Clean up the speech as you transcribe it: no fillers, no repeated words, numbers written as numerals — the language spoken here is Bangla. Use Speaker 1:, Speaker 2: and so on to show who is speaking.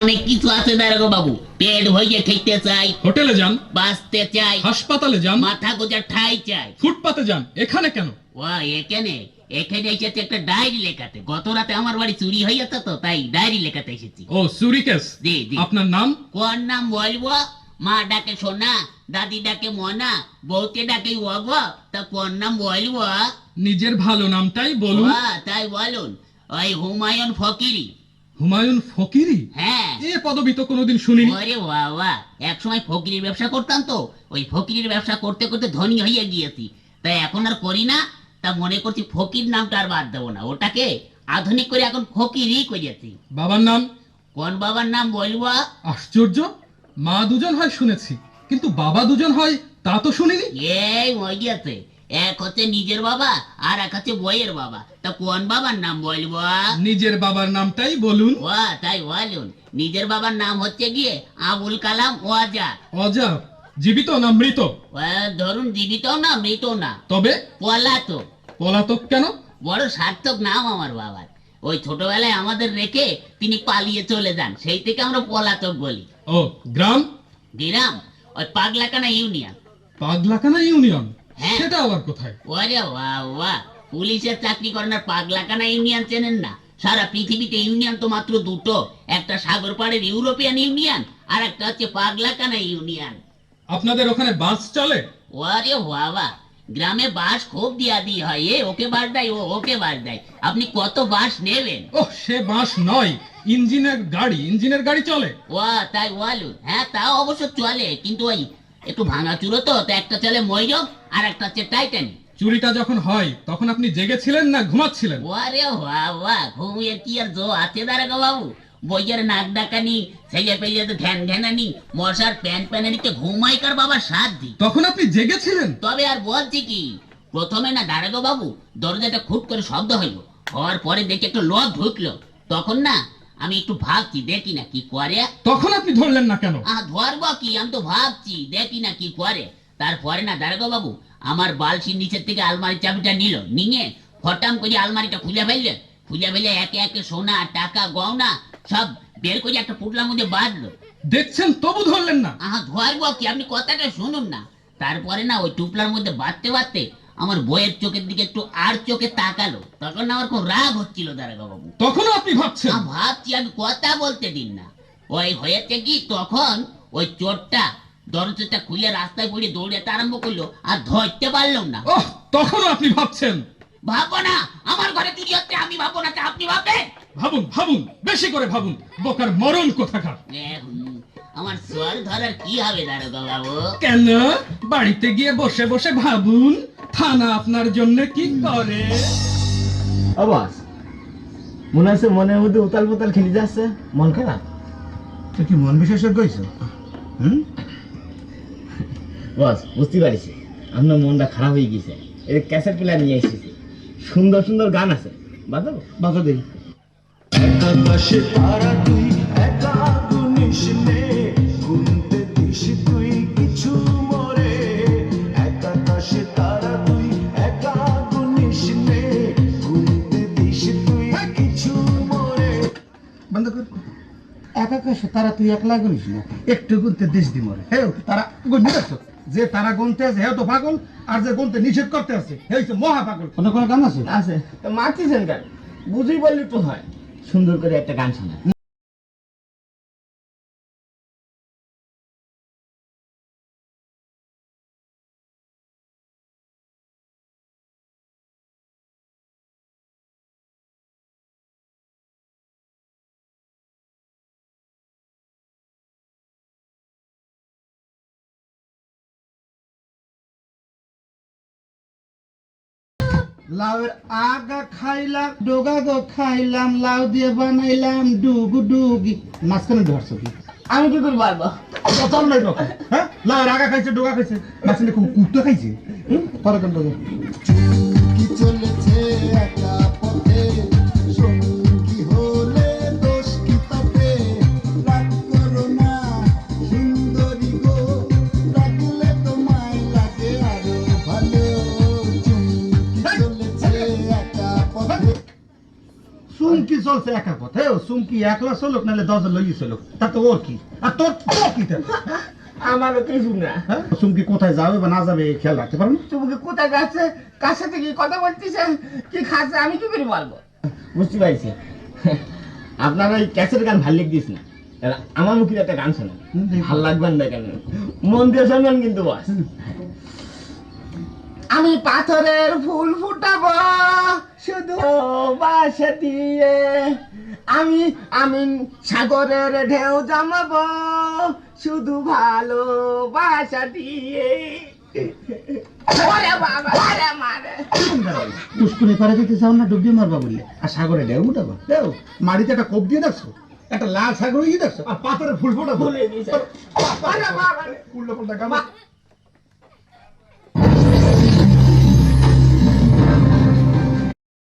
Speaker 1: অনেক কিছু আছে দারোগা বাবু। পেট ভরিয়ে খেতে চাই,
Speaker 2: হোটেলে যান,
Speaker 1: বাঁচতে চাই,
Speaker 2: হাসপাতালে যান,
Speaker 1: মাথা গোজার ঠাই চাই।
Speaker 2: ফুটপাতে যান, এখানে কেন?
Speaker 1: ও এখানে এখানে এসেছে একটা ডায়েরি লেখাতে। গত রাতে আমার বাড়ি চুরি হয়ে যেত, তো তাই ডায়েরি লেখাতে এসেছি।
Speaker 2: ও চুরি কেস।
Speaker 1: জি জি।
Speaker 2: আপনার নাম?
Speaker 1: কোন নাম বলবো? মা ডাকে সোনা, দাদি ডাকে মনা, বউকে ডাকে ওগো, তা কোন নাম বলবো?
Speaker 2: নিজের ভালো নামটাই বলুন।
Speaker 1: তাই বলুন, ওই হুমায়ুন ফকিরি।
Speaker 2: হুমায়ুন ফকিরি?
Speaker 1: হ্যাঁ।
Speaker 2: এ পদবি তো কোনোদিন শুনিনি।
Speaker 1: ওরে বাবা, এক সময় ফকিরির ব্যবসা করতাম তো, ওই ফকিরির ব্যবসা করতে করতে ধনী হয়ে গিয়েছি, তাই এখন আর করি না। তা মনে করছি ফকির নামটা আর বাদ দেবো না, ওটাকে আধুনিক করে এখন ফকিরই করেছি।
Speaker 2: বাবার নাম?
Speaker 1: কোন বাবার নাম বলবো?
Speaker 2: আশ্চর্য, মা দুজন হয় শুনেছি, কিন্তু বাবা দুজন হয় তা তো শুনিনি।
Speaker 1: এই ওই গেছে, এক হচ্ছে নিজের বাবা আর এক হচ্ছে বইয়ের বাবা। তা কোন বাবার নাম বলবো?
Speaker 2: নিজের বাবার নামটাই বলুন।
Speaker 1: তাই বলুন, নিজের বাবার নাম হচ্ছে গিয়ে আবুল কালাম ওয়াজা।
Speaker 2: অজা? জীবিত না মৃত?
Speaker 1: ধরুন জীবিত না মৃত না,
Speaker 2: তবে
Speaker 1: পলাতক।
Speaker 2: পলাতক কেন?
Speaker 1: বড় সার্থক নাম আমার বাবার। ওই ছোটবেলায় আমাদের রেখে তিনি পালিয়ে চলে যান, সেই থেকে আমরা পলাতক বলি।
Speaker 2: ও গ্রাম?
Speaker 1: গ্রাম ওই পাগলাকানা ইউনিয়ন।
Speaker 2: পাগলাকানা ইউনিয়ন?
Speaker 1: হ্যাঁ।
Speaker 2: সেটা আবার কোথায়?
Speaker 1: ওরে বাবা, পুলিশের চাকরি করেন আর পাগলাকানা ইউনিয়ন চেনেন না? সারা পৃথিবীতে ইউনিয়ন তো মাত্র দুটো, একটা সাগর পাড়ের ইউরোপিয়ান ইউনিয়ন আর একটা হচ্ছে পাগলাকানা ইউনিয়ন।
Speaker 2: আপনাদের ওখানে বাস চলে?
Speaker 1: ওরে বাবা, গ্রামে বাস খুব দিয়া দিয়ে হয়, এ ওকে বাস দেয়, ও ওকে বাস দেয়। আপনি কত বাস নেবেন?
Speaker 2: ওহ, সে বাস নয়, ইঞ্জিনের গাড়ি চলে।
Speaker 1: তাই বলুন। হ্যাঁ, তাও অবশ্য চলে, কিন্তু ওই একটু ভাঙাচুরো তো, একটা চলে ময়ূরক আর একটা হচ্ছে টাইটানিক।
Speaker 2: চুরিটা যখন হয় তখন আপনি জেগেছিলেন না ঘুমাচ্ছিলেন?
Speaker 1: ওরে বাবা, ঘুমিয়ে কি আর জো আছে দারোগা বাবু? বইয়ের নাক ডাকানি, ছেলে পেলে ঘ্যান ঘ্যানানি, মশার প্যান প্যানানিতে ঘুমাইকার বাবা সাত দি।
Speaker 2: তখন আপনি জেগেছিলেন?
Speaker 1: তবে আর বলছি কি, প্রথমে না দারোগা বাবু দরজাটা খুব করে শব্দ হইলো, হওয়ার পরে দেখি একটা লোক ঢুকলো। তখন না আমি একটু ভাবছি, দেখি না কি করে।
Speaker 2: তখন আপনি ধরলেন না কেন?
Speaker 1: ধরবো কি, আমি তো ভাবছি দেখি না কি করে। তারপরে না দারোগা বাবু আমার বালসির নিচের থেকে আলমারির চাবিটা নিয়ে ফটাম করে আলমারিটা খুলে ফেললে একে একে সোনা টাকা গয়না সব বের করে একটা পুটলার মধ্যে বাঁধলো।
Speaker 2: দেখছেন তবু ধরলেন না?
Speaker 1: ধরবো কি, আপনি কথাটা শুনুন না। তারপরে না ওই টুপলার মধ্যে বাঁধতে আমার বইয়ের চোখের দিকে একটু আর চোখে তাকালো। তখন না আমার খুব রাগ হচ্ছিল দারোগা বাবু।
Speaker 2: তখনও আপনি ভাবছেন?
Speaker 1: ভাবছি, আমি কথা বলতে দিন না। ওই হয়েছে কি, তখন ওই চোরটা দরজাটা খুলে রাস্তায় পড়ে দৌড়াতে আরম্ভ করলো, আর ধরতে পারলাম না।
Speaker 2: ওহ, তখনও আপনি ভাবছেন?
Speaker 1: ভাববো না, আমার ঘরে চুরি হচ্ছে, আমি ভাববো না, তা আপনি ভাববেন?
Speaker 2: ভাবুন, বেশি করে ভাবুন, বোকার মরণ কোথাকার।
Speaker 1: আমার স্বর ধরার কি হবে দারোগা বাবু?
Speaker 2: কেন? বাড়িতে গিয়ে বসে বসে ভাবুন, থানা আপনার জন্য কি করে।
Speaker 3: আবাস মনে আছে, মনের মধ্যে উতাল পুতাল খেলে যাচ্ছে, মন খারাপ?
Speaker 4: তুই কি মন বিশেষজ্ঞ হয়েছো?
Speaker 3: বস বুঝতে পারিছি আপনার মনটা খারাপ হয়ে গেছে। এর ক্যাসেট প্লেয়ার নিয়ে এসেছি, সুন্দর সুন্দর গান আছে, বাজাবো?
Speaker 4: বাজা দেই। বন্ধ কর। একা কাশে তারা তুই একলা গুনিস না, একটু গুনতে দেশ দি মরে। হ্যাঁ, তারা গুনতে দেখছো যে তারা গুনতে আছে, হ্যাঁ তো পাগল, আর যে গুনতে নিষেধ করতে আছে হ্যাঁ মহা পাগল। কোনো কোনো গান আছে?
Speaker 3: আছে তো মারতেছেন গান, বুঝেই বললি তো হয়। সুন্দর করে একটা গান শোনা।
Speaker 4: লাউয়ের আগা খাইলাম, ডোগা গো খাইলাম, লাউ দিয়ে বানাইলাম ডুগু ডুগি। মাঝখানে ধরছো কি?
Speaker 3: আমি কি করে পারবো?
Speaker 4: চল নাই রকম। হ্যাঁ, লাউয়ের আগা খাইছে, ডোগা খাইছে, মাঝখানে খুব কুট্টো খাইছে। পরে কোন ডোগা? কি চলেছে একা পথে, সঙ্গী হলে দোষ কি তাতে, রাগ করো না সুন্দরী গো, রাখলে তোমায় লাগে আরো ভালো। চুমকি চলেছে একা পথে, চুমকি চলছে একা পথে ও চুমকি একলা চলুক নাহলে 10 জন লইয়ে চলুক তা তো ওর কি আর তোর কি তা
Speaker 3: আমারও কিছু না।
Speaker 4: হ্যাঁ চুমকি কোথায় যাবে বা না যাবে এই খেয়াল রাখতে পারো না
Speaker 3: তুমি কোথায় যাচ্ছে, কার সাথে কি কথা বলতেছে, কি খাচ্ছে, আমি কি করে বলবো? বুঝতে পারছি। আপনার ওই ক্যাসেট গান ভাল লিখ দিস না, আমার মুখে একটা গান শোনা ভাল লাগবে না কেন, মন দিয়ে শুনবেন কিন্তু বস। আমি পাথরের ফুল ফুটাবো শুধু বাসা দিয়ে, আমি আমি সাগরের ঢেউ জমাবো শুধু ভালোবাসা দিয়ে। ওরে বাবা, ওরে মারে।
Speaker 4: পুষ্কুনে পারে যেতে চাও না ডুবিয়ে মারবা বললে আর সাগরে ঢেউ উঠাবা ঢেউ মাটিতে একটা কোপ দিয়ে দেখছো, একটা লাল সাগর ইয়ে দেখছো আর পাথরের ফুল ফোটাবো
Speaker 3: ভুলে গেছে। ওরে বাবা রে।
Speaker 4: উল্টো পাল্টা গান